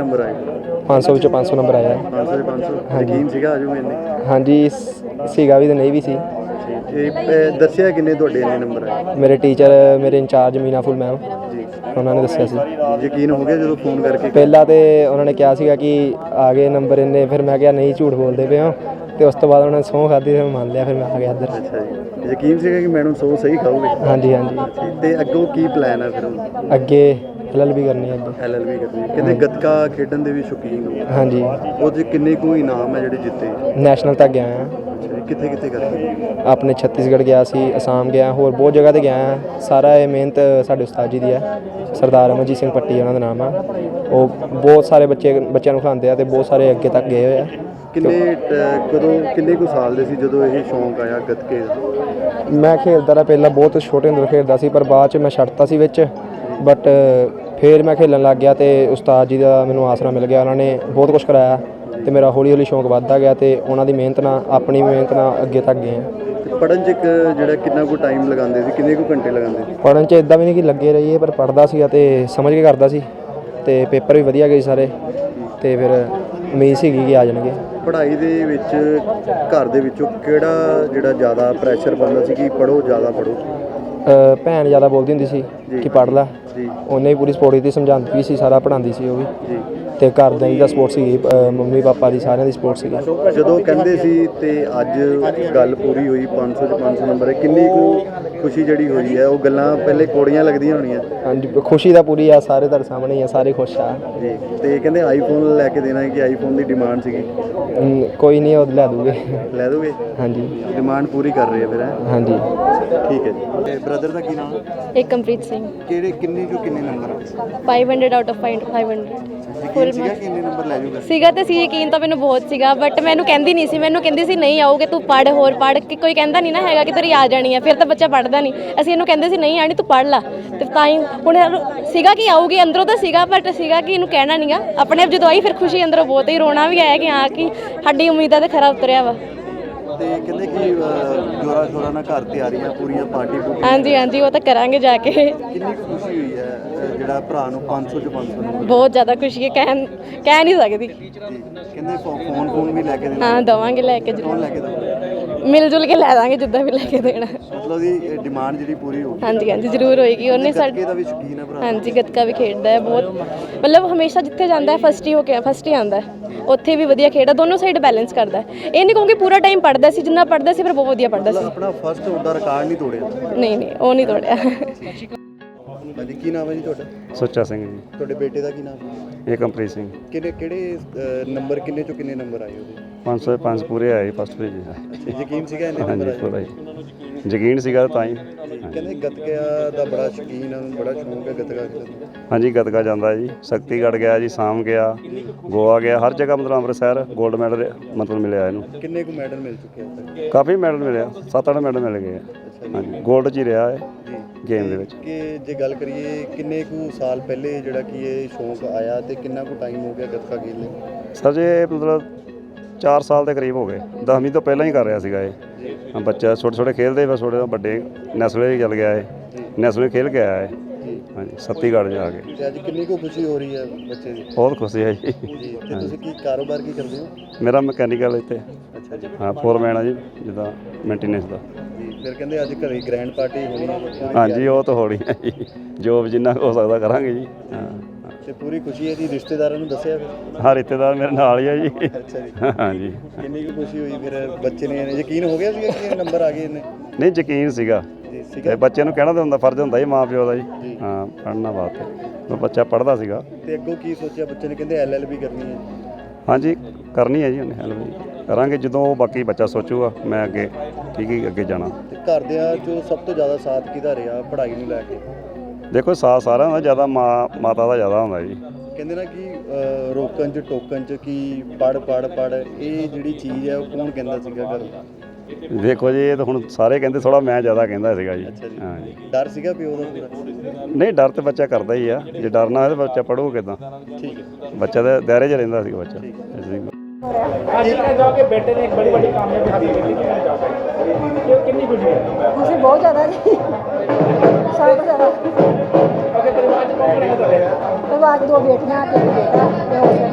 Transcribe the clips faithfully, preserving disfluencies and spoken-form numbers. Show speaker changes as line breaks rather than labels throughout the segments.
Number ਆਏ?
ਪੰਜ ਸੌ ਵਿੱਚੋਂ ਪੰਜ ਸੌ ਨੰਬਰ ਆਇਆ।
ਪੰਜ ਸੌ ਪੰਜ ਸੌ ਯਕੀਨ ਸੀਗਾ ਆਜੂ ਇੰਨੇ?
ਹਾਂਜੀ ਸੀਗਾ ਵੀ ਤੇ ਨਹੀਂ ਵੀ ਸੀ।
ਇਹ ਦੱਸਿਆ ਕਿੰਨੇ ਤੁਹਾਡੇ ਇੰਨੇ ਨੰਬਰ ਆਏ?
ਮੇਰੇ ਟੀਚਰ ਮੇਰੇ ਇੰਚਾਰਜ ਮੀਨਾ ਫੁੱਲ ਮੈਮ
ਜੀ,
ਉਹਨਾਂ ਨੇ ਦੱਸਿਆ ਸੀ।
ਯਕੀਨ ਹੋ ਗਿਆ ਜਦੋਂ ਫੋਨ ਕਰਕੇ?
ਪਹਿਲਾਂ ਤੇ ਉਹਨਾਂ ਨੇ ਕਿਹਾ ਸੀਗਾ ਕਿ ਆ ਗਏ ਨੰਬਰ ਇੰਨੇ, ਫਿਰ ਮੈਂ ਕਿਹਾ ਨਹੀਂ ਝੂਠ ਬੋਲਦੇ ਪਏ ਹੋ, ਤੇ ਉਸ ਤੋਂ ਬਾਅਦ ਉਹਨਾਂ ਨੇ ਸਹੁੰ ਖਾਧੀ ਤੇ ਮੈਂ ਮੰਨ ਲਿਆ, ਫਿਰ ਮੈਂ ਆ ਗਿਆ ਇੱਧਰ।
ਅੱਛਾ ਜੀ, ਯਕੀਨ ਸੀਗਾ ਕਿ ਮੈਡਮ ਸੌ ਸਹੀ ਖਾਓਗੇ?
ਹਾਂਜੀ ਹਾਂਜੀ।
ਤੇ ਅੱਗੋਂ ਕੀ ਪਲਾਨ ਹੈ ਫਿਰ ਹੁਣ?
ਅੱਗੇ ਐਲ ਐਲ ਬੀ ਕਰਨੀ ਹੈ ਅੱਗੇ।
ਐਲ ਐਲ ਬੀ ਕਰਨੀ? ਕਹਿੰਦੇ ਗੱਤਕਾ ਖੇਡਣ ਦੇ ਵੀ ਸ਼ੌਕੀਨ ਹੋ?
ਹਾਂਜੀ।
ਉਹਦੇ ਕਿੰਨੇ ਕੁ ਇਨਾਮ ਹੈ ਜਿਹੜੇ ਜਿੱਤੇ?
ਨੈਸ਼ਨਲ ਤੱਕ ਗਿਆ ਹਾਂ।
ਕਿੱਥੇ ਕਿੱਥੇ ਕਰਦੇ?
ਆਪਣੇ ਛੱਤੀਸਗੜ੍ਹ ਗਿਆ ਸੀ, ਅਸਾਮ ਗਿਆ, ਹੋਰ ਬਹੁਤ ਜਗ੍ਹਾ 'ਤੇ ਗਿਆ ਹਾਂ। ਸਾਰਾ ਇਹ ਮਿਹਨਤ ਸਾਡੇ ਉਸਤਾਦ ਜੀ ਦੀ ਹੈ, ਸਰਦਾਰ ਅਮਰਜੀਤ ਸਿੰਘ ਪੱਟੀ ਉਹਨਾਂ ਦਾ ਨਾਮ ਆ। ਉਹ ਬਹੁਤ ਸਾਰੇ ਬੱਚੇ ਬੱਚਿਆਂ ਨੂੰ ਖਿਲਾਉਂਦੇ ਆ ਅਤੇ ਬਹੁਤ ਸਾਰੇ ਅੱਗੇ ਤੱਕ ਗਏ ਹੋਏ ਆ।
ਕਿੰਨੇ ਕਦੋਂ ਕਿੰਨੇ ਕੁ ਸਾਲ ਦੇ ਸੀ ਜਦੋਂ ਇਹ ਸ਼ੌਂਕ ਆਇਆ ਗੱਤਕੇ ਦਾ?
ਮੈਂ ਖੇਡਦਾ ਰਿਹਾ ਪਹਿਲਾਂ, ਬਹੁਤ ਛੋਟੇ ਹੁੰਦੇ ਖੇਡਦਾ ਸੀ, ਪਰ ਬਾਅਦ 'ਚ ਮੈਂ ਛੱਡਤਾ ਸੀ ਵਿੱਚ। ਬਟ ਫਿਰ ਮੈਂ ਖੇਡਣ ਲੱਗ ਗਿਆ ਅਤੇ ਉਸਤਾਦ ਜੀ ਦਾ ਮੈਨੂੰ ਆਸਰਾ ਮਿਲ ਗਿਆ। ਉਹਨਾਂ ਨੇ ਬਹੁਤ ਕੁਛ ਕਰਾਇਆ ਅਤੇ ਮੇਰਾ ਹੌਲੀ ਹੌਲੀ ਸ਼ੌਂਕ ਵੱਧਦਾ ਗਿਆ, ਅਤੇ ਉਹਨਾਂ ਦੀ ਮਿਹਨਤ ਨਾਲ, ਆਪਣੀ ਮਿਹਨਤ ਨਾਲ ਅੱਗੇ ਤੱਕ ਗਏ ਹਾਂ।
ਪੜ੍ਹਨ 'ਚ ਇੱਕ ਜਿਹੜਾ ਕਿੰਨਾ ਕੁ ਟਾਈਮ ਲਗਾਉਂਦੇ ਸੀ, ਕਿੰਨੇ ਕੁ ਘੰਟੇ ਲਗਾਉਂਦੇ ਸੀ?
ਪੜ੍ਹਨ 'ਚ ਇੱਦਾਂ ਵੀ ਨਹੀਂ ਕਿ ਲੱਗੇ ਰਹੀਏ, ਪਰ ਪੜ੍ਹਦਾ ਸੀ ਅਤੇ ਸਮਝ ਕੇ ਕਰਦਾ ਸੀ, ਅਤੇ ਪੇਪਰ ਵੀ ਵਧੀਆ ਗਏ ਸਾਰੇ, ਅਤੇ ਫਿਰ ਉਮੀਦ ਸੀਗੀ ਕਿ ਆ ਜਾਣਗੇ।
ਪੜ੍ਹਾਈ ਦੇ ਵਿੱਚ ਘਰ ਦੇ ਵਿੱਚੋਂ ਕਿਹੜਾ ਜਿਹੜਾ ਜ਼ਿਆਦਾ ਪ੍ਰੈਸ਼ਰ ਪਾਉਂਦਾ ਸੀ ਕਿ ਪੜ੍ਹੋ, ਜ਼ਿਆਦਾ ਪੜ੍ਹੋ?
ਭੈਣ ਜ਼ਿਆਦਾ ਬੋਲਦੀ ਹੁੰਦੀ ਸੀ ਕਿ ਪੜ੍ਹ ਲੈ, ਉਹਨੇ ਵੀ ਪੂਰੀ ਸਪੋਰਟ ਕੀਤੀ, ਸਮਝਾਉਂਦੀ ਵੀ ਸੀ, ਸਾਰਾ ਪੜ੍ਹਾਉਂਦੀ ਸੀ ਉਹ ਵੀ, ਅਤੇ ਘਰਦਿਆਂ ਦੀ ਤਾਂ ਸਪੋਰਟ ਸੀਗੀ, ਮੰਮੀ ਪਾਪਾ ਦੀ, ਸਾਰਿਆਂ ਦੀ ਸਪੋਰਟ ਸੀਗੀ।
ਜਦੋਂ ਕਹਿੰਦੇ ਸੀ ਤੇ ਅੱਜ ਗੱਲ ਪੂਰੀ ਹੋਈ, ਪੰਜ ਸੌ 'ਚ ਪੰਜ ਸੌ ਨੰਬਰ, ਕਿੰਨੀ ਕੁ ਖੁਸ਼ੀ ਜਿਹੜੀ ਹੋਈ ਹੈ? ਉਹ ਗੱਲਾਂ ਪਹਿਲੇ ਕੋੜੀਆਂ ਲੱਗਦੀਆਂ ਹੋਣੀਆਂ? ਹਾਂਜੀ,
ਖੁਸ਼ੀ ਤਾਂ ਪੂਰੀ ਆ, ਸਾਰੇ ਤੁਹਾਡੇ ਸਾਹਮਣੇ ਹੀ ਆ, ਸਾਰੇ ਖੁਸ਼ ਆ
ਜੀ। ਤੇ ਕਹਿੰਦੇ ਆਈਫੋਨ ਲੈ ਕੇ ਦੇਣਾ ਹੈ, ਕਿ ਆਈਫੋਨ ਦੀ ਡਿਮਾਂਡ ਸੀਗੀ?
ਕੋਈ ਨਹੀਂ, ਉਹ ਲੈ ਦੂਗੇ।
ਲੈ ਦੋਗੇ? ਹਾਂਜੀ, ਡਿਮਾਂਡ ਪੂਰੀ ਕਰ ਰਹੇ ਆ ਫਿਰ?
ਹਾਂਜੀ,
ਠੀਕ ਹੈ ਜੀ। ਤੇ ਬ੍ਰਦਰ ਦਾ ਕੀ ਨਾਮ ਹੈ?
ਏਕਮਪ੍ਰੀਤ ਸਿੰਘ।
ਕਿਹੜੇ ਕਿੰਨੇ ਚੋਂ ਕਿੰਨੇ ਨੰਬਰ ਆ?
ਪੰਜ ਸੌ ਆਊਟ ਆਫ ਪੰਜ ਸੌ।
ਫੁੱਲ ਸੀਗਾ ਕਿ ਕਿੰਨੇ ਨੰਬਰ ਲੈ ਜੂਗਾ?
ਸੀਗਾ ਤੇ ਸੀ, ਯਕੀਨ ਤਾਂ ਮੈਨੂੰ ਬਹੁਤ ਸੀਗਾ, ਬਟ ਮੈਨੂੰ ਕਹਿੰਦੀ ਨਹੀਂ ਸੀ, ਮੈਨੂੰ ਕਹਿੰਦੀ ਸੀ ਨਹੀਂ ਆਉਗੇ ਤੂੰ ਪੜ੍ਹ, ਹੋਰ ਪੜ੍ਹ, ਕਿ ਕੋਈ ਕਹਿੰਦਾ ਨਹੀਂ ਨਾ ਹੈਗਾ ਕਿ ਤੇਰੀ ਆ ਜਾਣੀ ਹੈ, ਫਿਰ ਤਾਂ ਬੱਚਾ ਪੜ੍ਹਦਾ ਨਹੀਂ। ਅਸੀਂ ਇਹਨੂੰ ਕਹਿੰਦੇ ਸੀ ਨਹੀਂ ਆਣੀ, ਤੂੰ ਪੜ੍ਹ ਲਾ, ਤੇ ਤਾਂ ਹੀ ਹੁਣ ਸੀਗਾ ਕਿ ਆਊਗੀ, ਅੰਦਰੋਂ ਤਾਂ ਸੀਗਾ, ਬਟ ਸੀਗਾ ਕਿ ਇਹਨੂੰ ਕਹਿਣਾ ਨਹੀਂਗਾ। ਆਪਣੇ ਆਪ ਜਦੋਂ ਆਈ ਫਿਰ ਖੁਸ਼ੀ ਅੰਦਰੋਂ ਬਹੁਤ ਹੀ, ਰੋਣਾ ਵੀ ਆਇਆ ਕਿ ਹਾਂ ਕਿ ਸਾਡੀ ਉਮੀਦਾਂ ਤੇ ਖਰਾ ਉਤਰਿਆ ਵਾ।
ਤੇ ਕਹਿੰਦੇ ਕਿ ਜੋਰਾ ਜੋਰਾ ਨਾਲ ਘਰ ਤਿਆਰੀਆਂ ਪੂਰੀਆਂ, ਪਾਰਟੀ ਪੂਰੀ?
ਹਾਂਜੀ ਹਾਂਜੀ, ਉਹ ਤਾਂ ਕਰਾਂਗੇ ਜਾ ਕੇ।
ਕਿੰਨੀ ਕੁ ਖੁਸ਼ੀ ਹੋਈ ਹੈ ਜਿਹੜਾ ਭਰਾ ਨੂੰ ਪੰਜ ਸੌ 'ਚ ਪੰਜ ਸੌ ਨੰਬਰ?
ਬਹੁਤ ਜ਼ਿਆਦਾ ਖੁਸ਼ੀ ਹੈ, ਕਹਿ ਕਹਿ ਨਹੀਂ ਸਕਦੀ।
ਕਹਿੰਦੇ ਫੋਨ ਫੋਨ ਵੀ ਲੈ ਕੇ ਦੇਣਾ?
ਹਾਂ ਦਵਾਂਗੇ, ਲੈ ਕੇ ਜ਼ਰੂਰ
ਲੈ ਕੇ ਦੋ,
ਮਿਲ ਜੁਲ ਕੇ ਲੈ ਦਾਂਗੇ, ਜਿੱਦਾਂ ਵੀ ਲੈ ਕੇ ਦੇਣਾ।
ਮਤਲਬ ਦੀ ਡਿਮਾਂਡ ਜਿਹੜੀ ਪੂਰੀ ਹੋਊਗੀ?
ਹਾਂਜੀ ਹਾਂਜੀ, ਜ਼ਰੂਰ ਹੋਏਗੀ। ਉਹਨੇ ਸਾਡੇ
ਦਾ ਵੀ ਸ਼ੌਕੀਨ ਹੈ ਭਰਾ? ਹਾਂਜੀ,
ਗੱਤਕਾ ਵੀ ਖੇਡਦਾ ਹੈ ਬਹੁਤ, ਮਤਲਬ ਹਮੇਸ਼ਾ ਜਿੱਥੇ ਜਾਂਦਾ ਹੈ ਫਸਟ ਹੀ ਹੋ ਕੇ ਫਸਟ ਹੀ ਆਉਂਦਾ ਹੈ, ਉੱਥੇ ਵੀ ਵਧੀਆ ਖੇਡਦਾ, ਦੋਨੋਂ ਸਾਈਡ ਬੈਲੈਂਸ ਕਰਦਾ। ਇਹ ਨਹੀਂ ਕਹੂੰਗੀ ਪੂਰਾ ਟਾਈਮ ਪੜ੍ਹਦਾ ਸੀ, ਜਿੰਨਾ ਪੜ੍ਹਦਾ ਸੀ ਪਰ ਬਹੁਤ ਵਧੀਆ ਪੜ੍ਹਦਾ ਸੀ।
ਆਪਣਾ ਫਸਟ ਉਹਦਾ ਰਿਕਾਰਡ ਨਹੀਂ ਤੋੜਿਆ?
ਨਹੀਂ ਨਹੀਂ, ਉਹ ਨਹੀਂ ਤੋੜਿਆ।
ਹਾਂਜੀ, ਕੀ ਨਾਮ ਹੈ ਜੀ ਤੁਹਾਡਾ?
ਸੁੱਚਾ ਸਿੰਘ ਜੀ।
ਤੁਹਾਡੇ ਬੇਟੇ ਦਾ ਕੀ ਨਾਮ ਹੈ?
ਏਕਮਪ੍ਰੀਤ ਸਿੰਘ।
ਕਿਹੜੇ ਕਿਹੜੇ ਨੰਬਰ, ਕਿੰਨੇ ਚੋਂ ਕਿੰਨੇ ਨੰਬਰ ਆਏ ਉਹਦੇ?
ਪੰਜ ਸੌ ਪੰਜ ਪੂਰੇ ਆਏ ਫਸਟ ਪੇਜ।
ਯਕੀਨ ਸੀਗਾ ਇੰਨੇ ਨੰਬਰ ਆਏ?
ਪੂਰਾ ਜੀ, ਯਕੀਨ ਸੀਗਾ ਤਾਂ ਹੀ।
ਕਹਿੰਦੇ ਗੱਤਕਾ ਦਾ ਬੜਾ ਸ਼ੌਕੀਨ ਹੈ, ਬੜਾ ਸ਼ੌਂਕ ਹੈ ਗੱਤਕਾ ਖੇਡਣ ਦਾ?
ਹਾਂਜੀ, ਗੱਤਕਾ ਜਾਂਦਾ ਜੀ, ਸ਼ਕਤੀਗੜ੍ਹ ਗਿਆ ਜੀ, ਸਾਮ ਗਿਆ, ਗੋਆ ਗਿਆ, ਹਰ ਜਗ੍ਹਾ ਮਤਲਬ ਅੰਮ੍ਰਿਤਸਰ ਗੋਲਡ ਮੈਡਲ ਮਤਲਬ ਮਿਲਿਆ ਇਹਨੂੰ।
ਕਿੰਨੇ ਕੁ ਮੈਡਲ ਮਿਲ ਚੁੱਕੇ ਆ?
ਕਾਫੀ ਮੈਡਲ ਮਿਲਿਆ, ਸੱਤ ਅੱਠ ਮੈਡਲ ਮਿਲ ਗਏ ਆ। ਹਾਂਜੀ, ਗੋਲਡ 'ਚ ਹੀ ਰਿਹਾ ਹੈ ਗੇਮ ਦੇ ਵਿੱਚ।
ਕਿ ਜੇ ਗੱਲ ਕਰੀਏ ਕਿੰਨੇ ਕੁ ਸਾਲ ਪਹਿਲੇ ਜਿਹੜਾ ਕਿ ਇਹ ਸ਼ੌਂਕ ਆਇਆ ਤੇ ਕਿੰਨਾ ਕੁ ਟਾਈਮ ਹੋ ਗਿਆ ਗੱਤਕਾ ਖੇਡਦੇ?
ਸਰ ਜੀ ਮਤਲਬ ਚਾਰ ਸਾਲ ਦੇ ਕਰੀਬ ਹੋ ਗਏ, ਦਸਵੀਂ ਤੋਂ ਪਹਿਲਾਂ ਹੀ ਕਰ ਰਿਹਾ ਸੀਗਾ ਇਹ। ਬੱਚਾ ਛੋਟੇ ਛੋਟੇ ਖੇਡਦੇ, ਬਸ ਛੋਟੇ ਵੱਡੇ ਨੈਸ਼ਨਲ ਚੱਲ ਗਿਆ ਇਹ, ਨੈਸ਼ਨਲ ਖੇਡ ਕੇ ਆਇਆ ਇਹ। ਹਾਂਜੀ, ਛੱਤੀਸਗੜ੍ਹ ਜਾ ਕੇ।
ਤੇ ਅੱਜ ਕਿੰਨੀ ਕੁ ਖੁਸ਼ੀ ਹੋ ਰਹੀ ਹੈ ਬੱਚੇ ਦੀ?
ਬਹੁਤ ਖੁਸ਼ੀ ਹੈ ਜੀ।
ਤੇ ਤੁਸੀਂ ਕੀ ਕਾਰੋਬਾਰ ਕੀ ਕਰਦੇ ਹੋ?
ਮੇਰਾ ਮਕੈਨੀਕਲ ਇੱਥੇ।
ਅੱਛਾ ਜੀ।
ਹਾਂ, ਫੋਰਮੈਨ ਆ ਜੀ, ਜਿੱਦਾਂ ਮੇਨਟੇਨੈਂਸ ਦਾ।
ਜੀ, ਫਿਰ ਕਹਿੰਦੇ ਅੱਜ ਘਰੇ ਗ੍ਰੈਂਡ ਪਾਰਟੀ ਹੋਣੀ ਹੈ?
ਹਾਂਜੀ, ਉਹ ਤਾਂ ਹੋਣੀ ਹੈ ਜੀ, ਜੋ ਜਿੰਨਾ ਹੋ ਸਕਦਾ ਕਰਾਂਗੇ ਜੀ। ਹਾਂ,
ਤੇ ਪੂਰੀ ਖੁਸ਼ੀ ਹੈ ਜੀ। ਰਿਸ਼ਤੇਦਾਰਾਂ ਨੂੰ ਦੱਸਿਆ ਫਿਰ?
ਹਾਂ, ਰਿਸ਼ਤੇਦਾਰ ਮੇਰੇ ਨਾਲ ਹੀ ਆ ਜੀ।
ਅੱਛਾ ਜੀ।
ਹਾਂਜੀ।
ਕਿੰਨੀ ਕੁ ਖੁਸ਼ੀ ਹੋਈ ਫਿਰ? ਬੱਚੇ ਨੇ ਯਕੀਨ ਹੋ ਗਿਆ ਸੀਗਾ ਕਿ ਨੰਬਰ ਆ ਗਏ ਇਹਨੇ?
ਨਹੀਂ, ਯਕੀਨ ਸੀਗਾ, ਤੇ ਬੱਚੇ ਨੂੰ ਕਹਿਣਾ ਤਾਂ ਹੁੰਦਾ, ਫਰਜ਼ ਹੁੰਦਾ ਜੀ ਮਾਂ ਪਿਓ ਦਾ ਜੀ। ਹਾਂ, ਪੜ੍ਹਨਾ ਵਾਸਤੇ ਬੱਚਾ ਪੜ੍ਹਦਾ ਸੀਗਾ।
ਤੇ ਅੱਗੋਂ ਕੀ ਸੋਚਿਆ ਬੱਚੇ ਨੇ? ਕਹਿੰਦੇ ਐਲ ਐਲ ਬੀ ਕਰਨੀ ਹੈ?
ਹਾਂਜੀ, ਕਰਨੀ ਹੈ ਜੀ ਉਹਨੇ ਐਲ ਐਲ ਬੀ ਕਰਾਂਗੇ, ਜਦੋਂ ਬਾਕੀ ਬੱਚਾ ਸੋਚੂਗਾ ਮੈਂ ਅੱਗੇ ਠੀਕ ਹੀ ਅੱਗੇ ਜਾਣਾ।
ਤੇ ਘਰਦਿਆਂ 'ਚੋਂ ਸਭ ਤੋਂ ਜ਼ਿਆਦਾ ਸਾਥ ਕਿਹਦਾ ਰਿਹਾ ਪੜ੍ਹਾਈ ਨੂੰ ਲੈ ਕੇ?
ਦੇਖੋ, ਸਾਥ ਸਾਰਿਆਂ ਦਾ, ਜ਼ਿਆਦਾ ਮਾਂ ਮਾਤਾ ਦਾ ਜ਼ਿਆਦਾ ਹੁੰਦਾ ਜੀ।
ਕਹਿੰਦੇ ਨਾ ਕਿ ਰੋਕਣ 'ਚ ਟੋਕਣ 'ਚ ਕਿ ਪੜ੍ਹ ਪੜ੍ਹ ਪੜ੍ਹ, ਇਹ ਜਿਹੜੀ ਚੀਜ਼ ਹੈ ਉਹ ਕੌਣ ਕਹਿੰਦਾ ਸੀਗਾ ਘਰ?
ਦੇਖੋ ਜੀ, ਇਹ ਤਾਂ ਹੁਣ ਸਾਰੇ ਕਹਿੰਦੇ, ਥੋੜ੍ਹਾ ਮੈਂ ਜ਼ਿਆਦਾ ਕਹਿੰਦਾ ਸੀਗਾ ਜੀ। ਹਾਂ ਜੀ।
ਡਰ ਸੀਗਾ ਪਿਓ ਦਾ ਪੂਰਾ?
ਨਹੀਂ, ਡਰ ਤਾਂ ਬੱਚਾ ਕਰਦਾ ਹੀ ਆ, ਜੇ ਡਰ ਨਾ ਹੋਵੇ ਤਾਂ ਬੱਚਾ ਪੜ੍ਹੂ ਕਿੱਦਾਂ?
ਠੀਕ ਹੈ।
ਬੱਚਾ ਤਾਂ ਦਾਇਰੇ 'ਚ ਰਹਿੰਦਾ ਸੀਗਾ ਬੱਚਾ।
ਜਾ ਕੇ ਬੇਟੇ ਨੇ ਇੱਕ ਬੜੀ ਵੱਡੀ ਕਾਮਯਾਬੀ ਹਾਸਲ ਕੀਤੀ, ਕਿੰਨੀ ਖੁਸ਼ੀ ਹੈ?
ਖੁਸ਼ੀ ਬਹੁਤ ਜ਼ਿਆਦਾ ਜੀ, ਸਾਰਾ ਜ਼ਿਆਦਾ।
ਅਗੇ ਪਰਿਵਾਰ 'ਚ ਕੌਣ ਰਹਿੰਦਾ ਤੁਹਾਡੇ?
ਪਰਿਵਾਰ 'ਚ ਦੋ ਬੇਟੀਆਂ ਤੇ ਇੱਕ ਬੇਟਾ ਤੇ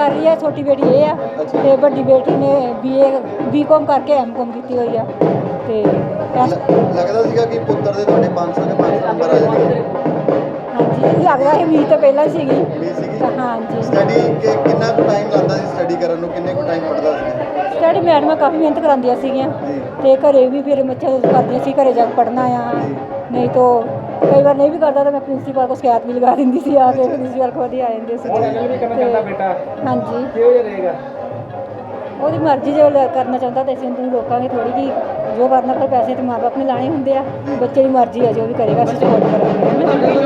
ਕਰ ਰਹੀ ਹੈ, ਛੋਟੀ ਬੇਟੀ ਇਹ ਆ ਤੇ ਵੱਡੀ ਬੇਟੀ ਨੇ ਬੀਏ ਬੀਕਾਮ ਕਰਕੇ ਐਮਕਾਮ ਕੀਤੀ ਹੋਈ ਆ ਤੇ ਇਸ-
ਲੱਗਦਾ ਸੀਗਾ ਕਿ ਪੁੱਤਰ ਦੇ ਤੁਹਾਡੇ ਪੰਜ ਸੌ ਦੇ ਪੰਜ ਸੌ ਨੰਬਰ ਆ ਜਾਣਗੇ?
ਹਾਂਜੀ ਲੱਗਦਾ ਸੀ ਉਮੀਦ ਤਾਂ ਪਹਿਲਾਂ ਹੀ ਸੀਗੀ
ਉਮੀਦ ਸੀਗੀ?
ਤਾਂ ਹਾਂਜੀ
ਸਟੱਡੀ ਕਿ ਕਿੰਨਾ ਕੁ ਟਾਈਮ ਲੱਗਦਾ ਸੀ ਸਟੱਡੀ ਕਰਨ ਨੂੰ, ਕਿੰਨੇ ਕੁ ਟਾਈਮ ਪੜ੍ਹਦਾ ਸੀ?
ਸਟੱਡੀ ਮੈਡਮਾਂ ਕਾਫੀ ਮਿਹਨਤ ਕਰਾਉਂਦੀਆਂ ਸੀਗੀਆਂ ਤੇ ਘਰੇ ਵੀ ਫਿਰ ਬੱਚੇ ਕਰਦੀਆਂ ਸੀ ਘਰੇ ਜਾ ਕੇ ਪੜ੍ਹਨਾ ਆ, ਨਹੀਂ ਤਾਂ ਕਈ ਵਾਰ ਨਹੀਂ ਵੀ ਕਰਦਾ ਤਾਂ ਮੈਂ ਪ੍ਰਿੰਸੀਪਲ ਕੋਲ ਸ਼ਿਕਾਇਤ ਵੀ ਲਗਾ ਦਿੰਦੀ ਸੀ, ਆ ਕੇ ਪ੍ਰਿੰਸੀਪਲ ਕੋਲ ਹੀ ਆ ਜਾਂਦੇ ਸੀ।
ਵੀ ਕਰਨਾ ਚਾਹੁੰਦਾ ਬੇਟਾ
ਹਾਂਜੀ
ਕਿਹੋ ਜਿਹਾ ਰਹੇਗਾ?
ਉਹਦੀ ਮਰਜ਼ੀ ਜੇ ਉਹ ਕਰਨਾ ਚਾਹੁੰਦਾ ਤਾਂ ਅਸੀਂ ਉਹਨੂੰ ਰੋਕਾਂਗੇ ਥੋੜੀ ਜਿਹੀ, ਜੋ ਕਰਨਾ ਪਰ ਪੈਸੇ ਤੇ ਮਾਂ ਬਾਪ ਨੇ ਲਾਣੇ ਹੁੰਦੇ ਆ, ਬੱਚੇ ਦੀ ਮਰਜ਼ੀ ਆ ਜੋ ਵੀ ਕਰੇਗਾ ਅਸੀਂ ਸਪੋਰਟ ਕਰਾਂਗੇ।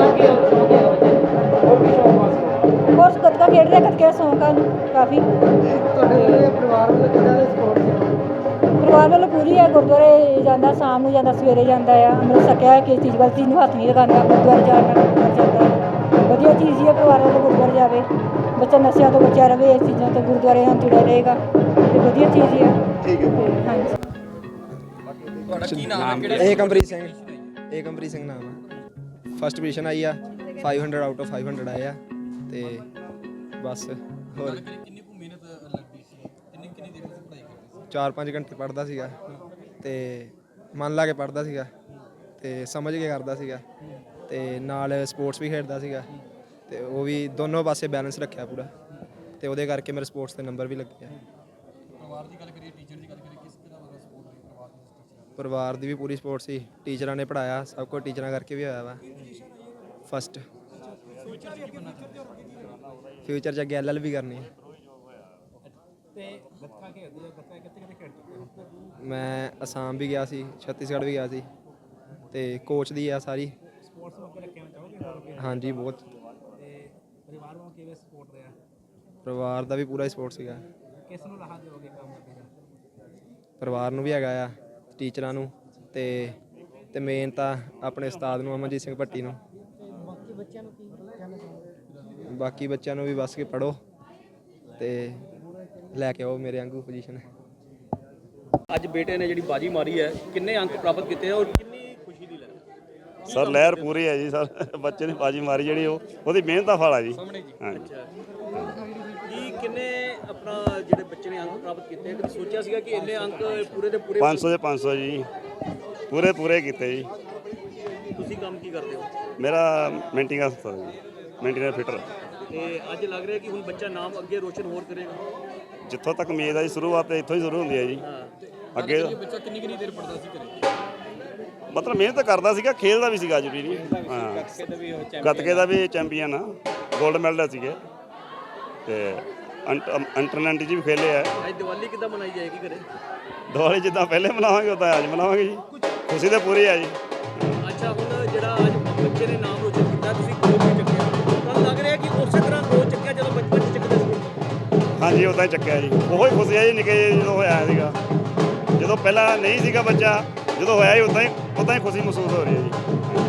ਹੋਰ ਵੀ ਸ਼ੌਕ ਵਾਸਤੇ
ਹੋਰ ਗੱਤਕਾ ਖੇਡ ਰਿਹਾ, ਗੱਤਕੇ ਦਾ ਸ਼ੌਂਕ ਆ ਉਹਨੂੰ ਕਾਫੀ।
ਤੁਹਾਡੇ ਪਰਿਵਾਰ ਵੱਲੋਂ ਕਿਹੜਾ ਸਪੋਰਟ
ਪਰਿਵਾਰ ਵੱਲੋਂ ਪੂਰੀ ਹੈ, ਗੁਰਦੁਆਰੇ ਜਾਂਦਾ, ਸ਼ਾਮ ਨੂੰ ਜਾਂਦਾ, ਸਵੇਰੇ ਜਾਂਦਾ ਆ, ਅੰਮ੍ਰਿਤ ਛਕਿਆ ਹੈ, ਕਿਸੇ ਚੀਜ਼ ਵੱਲ ਚੀਜ਼ ਨੂੰ ਹੱਥ ਨਹੀਂ ਲਗਾਉਂਦਾ, ਗੁਰਦੁਆਰੇ ਜਾਣ ਨਾਲ ਗੁਰਦੁਆਰੇ ਜਾਂਦਾ ਹੈ। ਵਧੀਆ ਚੀਜ਼ ਹੀ ਹੈ, ਪਰਿਵਾਰ ਵੱਲੋਂ ਗੁਰਦੁਆਰੇ ਜਾਵੇ, ਬੱਚਾ ਨਸ਼ਿਆਂ ਤੋਂ ਬਚਿਆ ਰਵੇ, ਇਸ ਚੀਜ਼ਾਂ ਤੋਂ ਗੁਰਦੁਆਰੇ ਨਾਲ ਜੁੜਿਆ ਰਹੇਗਾ ਤੇ ਵਧੀਆ ਚੀਜ਼ ਹੀ ਹੈ।
ਠੀਕ ਹੈ।
ਤੇ ਹਾਂਜੀ
ਏਕਮਪ੍ਰੀਤ ਸਿੰਘ ਏਕਮਪ੍ਰੀਤ ਸਿੰਘ ਨਾਮ ਆ। ਫਸਟ ਪੋਜੀਸ਼ਨ ਆਈ ਆ, ਪੰਜ ਸੌ ਆਊਟ ਆਫ ਪੰਜ ਸੌ ਆਏ ਆ ਤੇ ਬਸ ਹੋਰ
ਕਿੰਨੀ ਕੁ ਮਿਹਨਤ ਲੱਗਦੀ ਸੀ, ਕਿੰਨੀ ਕਿੰਨੀ ਦੇਰ ਦੀ ਪੜ੍ਹਾਈ ਕਰਦੇ ਸੀ?
ਚਾਰ ਪੰਜ ਘੰਟੇ ਪੜ੍ਹਦਾ ਸੀਗਾ ਤੇ ਮਨ ਲਾ ਕੇ ਪੜ੍ਹਦਾ ਸੀਗਾ ਤੇ ਸਮਝ ਕੇ ਕਰਦਾ ਸੀਗਾ ਤੇ ਨਾਲ ਸਪੋਰਟਸ ਵੀ ਖੇਡਦਾ ਸੀਗਾ ਤੇ ਉਹ ਵੀ ਦੋਨੋਂ ਪਾਸੇ ਬੈਲੈਂਸ ਰੱਖਿਆ ਪੂਰਾ ਤੇ ਉਹਦੇ ਕਰਕੇ ਮੇਰੇ ਸਪੋਰਟਸ ਦੇ ਨੰਬਰ ਵੀ ਲੱਗੇ ਆ।
ਪਰਿਵਾਰ ਦੀ ਗੱਲ ਕਰੀਏ, ਟੀਚਰ ਦੀ ਗੱਲ ਕਰੀਏ, ਕਿਸ ਤਰ੍ਹਾਂ ਦਾ ਸਪੋਰਟ ਰਹੀ ਪਰਿਵਾਰ ਦੀ?
ਪਰਿਵਾਰ ਦੀ ਵੀ ਪੂਰੀ ਸਪੋਰਟ ਸੀ, ਟੀਚਰਾਂ ਨੇ ਪੜ੍ਹਾਇਆ, ਸਭ ਕੁਝ ਟੀਚਰਾਂ ਕਰਕੇ ਵੀ ਹੋਇਆ ਵਾ। ਫਸਟ ਫਿਊਚਰ 'ਚ ਅੱਗੇ ਐਲ ਐਲ ਵੀ ਕਰਨੀ ਹੈ।
ਤੇ ਗੱਤਕਾ ਖੇਡਦੇ ਆ, ਗੱਤਕਾ ਕਿੱਥੇ ਕਿੱਥੇ ਖੇਡ ਚੁੱਕੇ ਹੋ?
ਮੈਂ ਅਸਾਮ ਵੀ ਗਿਆ ਸੀ, ਛੱਤੀਸਗੜ੍ਹ ਵੀ ਗਿਆ ਸੀ ਤੇ ਕੋਚ ਦੀ ਆ ਸਾਰੀ।
ਸਪੋਰਟਸ ਨੂੰ ਅੱਗੇ ਰੱਖਣਾ ਚਾਹੋਗੇ ਹੋਰ ਅੱਗੇ?
ਹਾਂਜੀ ਬਹੁਤ।
ਤੇ ਪਰਿਵਾਰ ਵੱਲੋਂ ਕਿਵੇਂ ਸਪੋਰਟ ਰਿਹਾ?
ਪਰਿਵਾਰ ਦਾ ਵੀ ਪੂਰਾ ਸਪੋਰਟ ਸੀਗਾ।
ਕਿਸ ਨੂੰ ਲਾਹਾ ਦਿਓਗੇ ਕੰਮ ਅੱਗੇ ਦਾ?
ਪਰਿਵਾਰ ਨੂੰ ਵੀ ਹੈਗਾ ਆ, ਟੀਚਰਾਂ ਨੂੰ ਤੇ ਤੇ ਮੇਨ ਤਾਂ ਆਪਣੇ ਉਸਤਾਦ ਨੂੰ, ਅਮਨਜੀਤ ਸਿੰਘ ਭੱਟੀ ਨੂੰ।
ਬਾਕੀ ਬੱਚਿਆਂ ਨੂੰ ਕੀ ਕਹਿਣਾ ਚਾਹੋਗੇ?
ਬਾਕੀ ਬੱਚਿਆਂ ਨੂੰ ਵੀ ਬਸ ਕੇ ਪੜ੍ਹੋ ਤੇ ਲੈ ਕੇ ਆਓ ਮੇਰੇ ਵਾਂਗੂ ਪੋਜੀਸ਼ਨ।
ਅੱਜ ਬੇਟੇ ਨੇ ਜਿਹੜੀ ਬਾਜੀ ਮਾਰੀ ਹੈ, ਕਿੰਨੇ ਅੰਕ ਪ੍ਰਾਪਤ ਕੀਤੇ ਔਰ ਕਿੰਨੀ ਖੁਸ਼ੀ ਦੀ ਲਹਿਰ?
ਸਰ ਲਹਿਰ ਪੂਰੀ ਹੈ ਜੀ ਸਰ, ਬੱਚੇ ਨੇ ਬਾਜੀ ਮਾਰੀ ਜਿਹੜੀ ਉਹ ਉਹਦੀ ਮਿਹਨਤ ਦਾ ਫਲ ਆ ਜੀ।
ਸਾਹਮਣੇ ਜੀ।
ਹਾਂਜੀ।
ਅੱਛਾ ਜੀ, ਕਿੰਨੇ ਆਪਣਾ ਜਿਹੜੇ ਬੱਚੇ ਨੇ ਅੰਕ ਪ੍ਰਾਪਤ ਕੀਤੇ, ਕਦੇ ਸੋਚਿਆ ਸੀਗਾ ਕਿ ਇੰਨੇ ਅੰਕ ਪੂਰੇ ਦੇ ਪੂਰੇ?
ਪੰਜ ਸੌ ਦੇ ਪੰਜ ਸੌ ਜੀ, ਪੂਰੇ ਪੂਰੇ ਕੀਤੇ ਜੀ।
ਤੁਸੀਂ ਕੰਮ ਕੀ ਕਰਦੇ ਹੋ?
ਮੇਰਾ ਮੇਨਟੇਨੈਂਸ ਦਾ ਸੰਸਥਾ ਜੀ, ਮੇਨਟੇਨੈਂਸ ਫਿਟਰ।
ਤੇ ਅੱਜ ਲੱਗ ਰਿਹਾ ਕਿ ਹੁਣ ਬੱਚਾ ਨਾਮ ਅੱਗੇ ਰੋਸ਼ਨ ਹੋਰ ਕਰੇਗਾ?
ਜਿੱਥੋਂ ਤੱਕ ਉਮੀਦ ਆ ਜੀ, ਸ਼ੁਰੂਆਤ ਤੇ ਇੱਥੋਂ ਹੀ ਸ਼ੁਰੂ ਹੁੰਦੀ ਹੈ ਜੀ। ਅੱਗੇ
ਬੱਚਾ ਕਿੰਨੀ ਕਿੰਨੀ ਦੇਰ ਪੜਦਾ ਸੀ ਘਰੇ?
ਮਤਲਬ ਮਿਹਨਤ ਕਰਦਾ ਸੀਗਾ, ਖੇਲਦਾ ਵੀ ਸੀਗਾ ਜ਼ਰੂਰੀ ਨਹੀਂ। ਹਾਂ, ਗੱਤਕੇ ਦਾ ਵੀ ਚੈਂਪੀਅਨ ਆ, 골ਡ ਮੈਡਲ ਸੀਗੇ ਤੇ ਅੰਡਰ ਨਾਈਨਟੀ 'ਚ ਵੀ ਖੇਲੇ ਆ।
ਅੱਜ ਦੀਵਾਲੀ ਕਿੱਦਾਂ ਮਨਾਈ ਜਾਏਗੀ ਘਰੇ?
ਦੀਵਾਲੀ ਜਿੱਦਾਂ ਪਹਿਲੇ ਮਨਾਵਾਂਗੇ ਉਦਾਂ ਅੱਜ ਮਨਾਵਾਂਗੇ ਜੀ, ਖੁਸ਼ੀ ਤਾਂ ਪੂਰੀ ਆ ਜੀ।
ਅੱਛਾ, ਹੁਣ ਜਿਹੜਾ ਅੱਜ ਬੱਚੇ ਨੇ ਨਾਮ ਰੋਸ਼ਨ ਕੀਤਾ, ਤੁਸੀਂ ਗੋਲ ਵੀ ਚੱਕਿਆ, ਤੁਹਾਨੂੰ ਲੱਗ ਰਿਹਾ ਕਿ ਉਸੇ ਤਰ੍ਹਾਂ ਗੋਲ ਚੱਕਿਆ ਜਦੋਂ ਬਚਪਨ 'ਚ ਚੱਕਦੇ ਸੀ?
ਹਾਂਜੀ ਉਦਾਂ ਹੀ ਚੱਕਿਆ ਜੀ, ਉਹੋ ਹੀ ਖੁਸ਼ੀ ਆ ਜੀ ਨਿੱਕੇ ਜਿਹੇ ਜਦੋਂ ਹੋਇਆ ਸੀਗਾ। ਜਦੋਂ ਪਹਿਲਾਂ ਨਹੀਂ ਸੀਗਾ ਬੱਚਾ, ਜਦੋਂ ਹੋਇਆ ਹੀ ਉਦਾਂ ਹੀ ਉਦਾਂ ਹੀ ਖੁਸ਼ੀ ਮਹਿਸੂਸ ਹੋ ਰਹੀ ਹੈ ਜੀ।